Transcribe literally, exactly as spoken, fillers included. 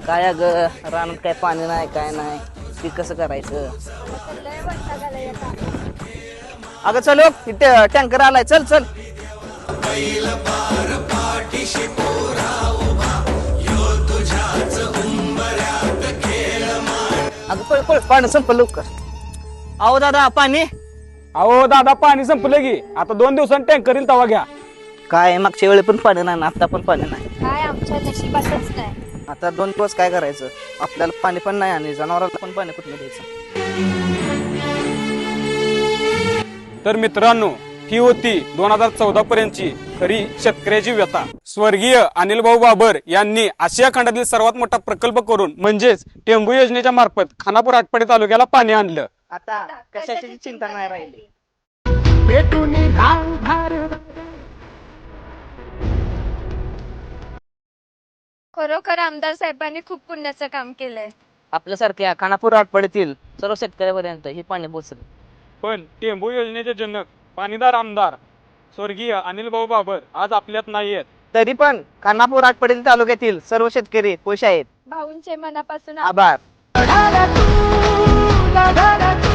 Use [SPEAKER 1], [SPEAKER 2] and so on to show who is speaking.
[SPEAKER 1] काय ग रानात काय पाणी नाही काय नाही ते कसं करायचं. अगं चल इथे टँकर आलाय चल चल. अगं पळ पळ पाणी संपलं लवकर. अहो दादा पाणी.
[SPEAKER 2] अहो दादा पाणी संपलं की आता दोन दिवसांनी टँकर येईल तवा घ्या.
[SPEAKER 1] काय मागच्या वेळी पण पाणी नाही ना आता पण पाणी नाही.
[SPEAKER 3] काय आमच्या नशिबातच नाही.
[SPEAKER 1] आता दोन दिवस काय करायचं आपल्याला पाणी पण नाही आणि जनावरांना पण पाणी कुठलं द्यायचं.
[SPEAKER 2] तर मित्रांनो ही होती दोन हजार चौदा पर्यंतची खरी शेतकऱ्याची व्यथा. स्वर्गीय अनिल भाऊ बाबर यांनी आशिया खंडातील सर्वात मोठा प्रकल्प करून म्हणजेच टेंबू योजनेच्या मार्फत खानापूर आटपाडी तालुक्याला पाणी आणलं.
[SPEAKER 1] आता कशाची चिंता नाही राहिली.
[SPEAKER 3] खरोखर आमदार साहेबांनी खूप पुण्याचं काम केलंय.
[SPEAKER 1] आपल्यासारख्या खानापूर आटपाडीतील सर्व शेतकऱ्यापर्यंत हे पाणी पोहोचलं.
[SPEAKER 2] पण टेंबू योजनेचे जनक पाणीदार आमदार स्वर्गीय अनिल भाऊ बाबर आज आपल्यात नाहीयेत.
[SPEAKER 1] तरी पण खानापूर आटपाडी तालुक्यातील सर्व शेतकरी खुश आहेत.
[SPEAKER 3] भाऊंचे मनापासून
[SPEAKER 1] आभार.